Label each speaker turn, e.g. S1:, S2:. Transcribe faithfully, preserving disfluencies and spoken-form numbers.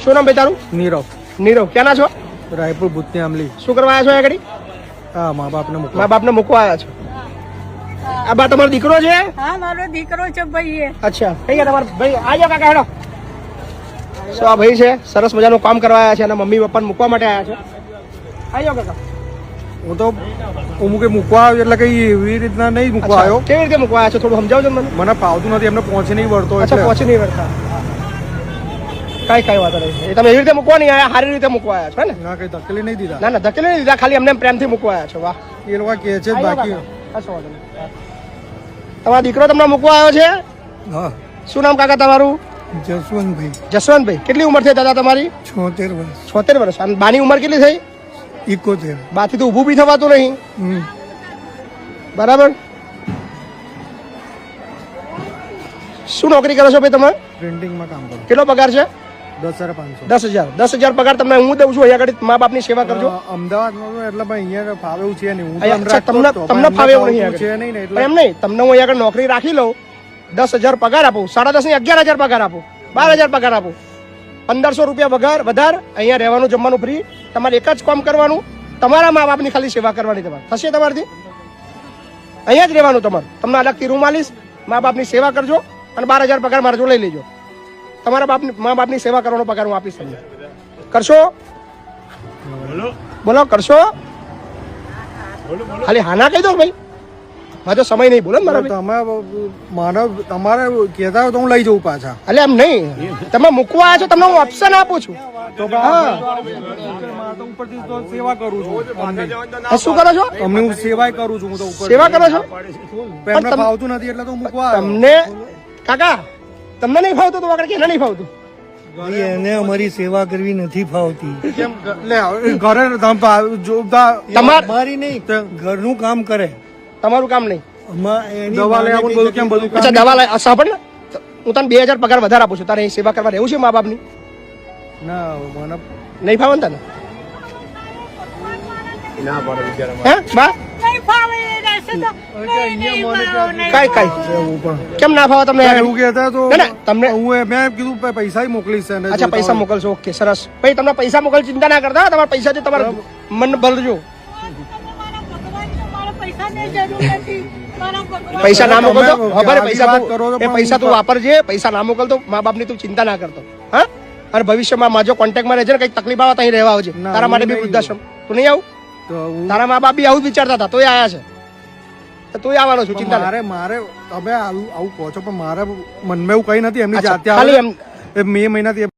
S1: શું નામ ભાઈ તારું?
S2: નીરવ.
S1: નીરવ, ક્યાંના છો?
S2: રાયપુર ભૂતની આમલી.
S1: શું કરવા આવ્યા છો આગળ?
S2: હા, મા બાપને મૂકવા.
S1: મા બાપને મૂકવા આવ્યા છો. આ બા તમારો દીકરો છે?
S3: હા, મારો દીકરો છે ભાઈ.
S1: અચ્છા, કઈ ગયા તમારા ભાઈ? આજો કાકા, હેડો. શું આ ભાઈ છે? સરસ મજાનું કામ કરવા આવ્યા છે અને મમ્મી પપ્પાને મૂકવા માટે આવ્યા છે. આજો કાકા.
S2: હું તો હું મૂકે મૂકવા આવ્યો એટલે કઈ એવી રીતના નહીં મૂકવા આવ્યો.
S1: કેવી રીતે મૂકવા આવ્યા છો? થોડું સમજાવજો મને.
S2: મને ફાવતું નથી, એમને પહોંચી નહીં વળતો.
S1: અચ્છા, પહોંચી નહીં વળતા. કઈ કઈ વાત નહીં. એ તમે એવી રીતે મૂકવા નહીં આવ્યા, સારી રીતે મૂકવા આવ્યા છો ને?
S2: ના, કઈ ધકેલી નહીં દીધા.
S1: ના ના, ધકેલી નહીં દીધા, ખાલી એમને પ્રેમથી મૂકવા આવ્યા છો. વાહ,
S2: એ લોકો કહે છે બાકી.
S1: તમારો દીકરો તમને મૂકવા આવ્યો છે?
S2: હા.
S1: શું નામ કાકા તમારું?
S2: જસવંતભાઈ.
S1: જસવંતભાઈ, કેટલી ઉંમર થઈ દાદા તમારી?
S2: છોતેર વર્ષ.
S1: છોતેર વર્ષ. અને બાની ઉંમર કેટલી થઈ?
S2: ઇકોતેર.
S1: બાથી તો ઊભું બી થવાતું નહીં.
S2: હમ.
S1: બરાબર. શું નોકરી કરો છો ભાઈ તમે?
S2: પ્રિન્ટિંગમાં કામ કરું.
S1: કેટલો પગાર છે?
S2: દસ હજાર પાંચસો.
S1: દસ હજાર. દસ હજાર પગાર તમને હું દઉં છું. અહીંયા આગળ મા બાપની સેવા કરજો.
S2: અમદાવાદમાં એટલે ભાઈ અહીંયા ફાવે એવું છે નહીં. હું
S1: અહીંયા તમને તમને ફાવે એવું નહીં
S2: છે નહીં ને
S1: એટલે એમ નહીં. તમને હું અહીંયા આગળ નોકરી રાખી લઉં, દસ હજાર પગાર આપું, સાડા દસ ની અગિયાર હજાર પગાર આપું, બાર હજાર પગાર આપું, પંદરસો રૂપિયા વગર વધાર, અહીંયા રહેવાનું જમવાનું ફ્રી, તમારે એક જ કામ કરવાનું, તમારા મા બાપની ખાલી સેવા કરવાની. તમારે થશે તમારાથી? અહીંયા જ રહેવાનું તમારે. તમને અલગથી રૂમ આલીશ, મા બાપની સેવા કરજો અને બાર હજાર પગાર મારા જો લઈ લેજો. તમારા બાપની મા બાપની સેવા કરવાનો પગાર હું આપીશ તમને. કરશો? બોલો, કરશો? ખાલી હાના કહી દો ભાઈ, મારે તો સમય નહીં. બોલો ને મારા
S2: તમે મારા તમારે કહેતા હોય તો હું લઈ જઉં પાછા.
S1: એટલે એમ નહીં, તમે મૂકવા આવ્યા છો, તમને હું ઓપ્શન આપું છું.
S2: ઉપરથી તો સેવા કરું છું.
S1: શું કરો છો?
S2: તમને હું સેવા કરું છું. હું તો ઉપર
S1: સેવા કરો છો?
S2: એમને ફાવતું નથી એટલે તો હું મૂકવા આવ્યો.
S1: તમને કાકા, તમને નહીં ફાવતું તો આગળ કે નહીં ફાવતું?
S4: એને અમારી સેવા કરવી નથી ફાવતી.
S2: કેમ લે ઘરે
S4: તમારી નહીં, ઘરનું કામ કરે.
S1: તમારું કામ નહીં.
S2: દવા લઈ આવું બધું કેમ બધું
S1: અચ્છા, દવા લઈ સાંભળ ને, હું તને બે હજાર પગાર વધારે આપું છું. તારે અહીં સેવા કરવા રહેવું છે મા બાપની?
S2: ના, મને
S1: નહીં ફાવે ને તને? હે બા?
S3: નહીં ફાવે એ રહેશે તો નહીં, નહીં ફાવે, નહીં
S1: કઈ કઈ
S2: પણ
S1: કેમ ના ફાવે તમને?
S2: એવું કહેતા તો
S1: ના, ના, તમને
S2: હું મેં કીધું પ- પૈસા મોકલીશ એને.
S1: અચ્છા, પૈસા મોકલશો. ઓકે, સરસ. ભાઈ તમને પૈસા મોકલ, ચિંતા ના કરતા. તમારા પૈસાથી તમારું મન બદલજો.
S3: મારા ભગવાન છે, મારા પૈસાની જરૂર નથી. મારા ભગવાન
S1: પૈસા ના મોકલતો
S2: તમે
S1: ખબર,
S2: આવી
S1: પૈસા
S2: વાત
S1: તું-
S2: કરો તો
S1: એ
S2: પણ
S1: પૈસા તું
S2: હું-
S1: વાપરજે. પૈસા ના મોકલતો મા બાપની તું ચિંતા ના કરતો. હા, અને ભવિષ્યમાં માજો કોન્ટેક્ટમાં રહેજે ને, કઈક તકલીફ આવે તો અહીં રહેવા આવજે.
S2: ના,
S1: તારા માટે
S2: હું
S1: બી
S2: નહીં
S1: વૃદ્ધાશ્રમ તું નહીં આવું?
S2: તો હું-
S1: તારા મા બાપ બી આવું જ વિચારતા હતા, તોય આયા છે. તો તું આવવાનો છું, ચિંતા ના.
S2: મારે મારે તમે આવું આવું કહો છો પણ મારે મનમાં એવું કઈ નથી. એમની
S1: અચ્છા,
S2: જાતે
S1: ખાલી
S2: આવે.
S1: એમ
S2: એ મે મહિનાથી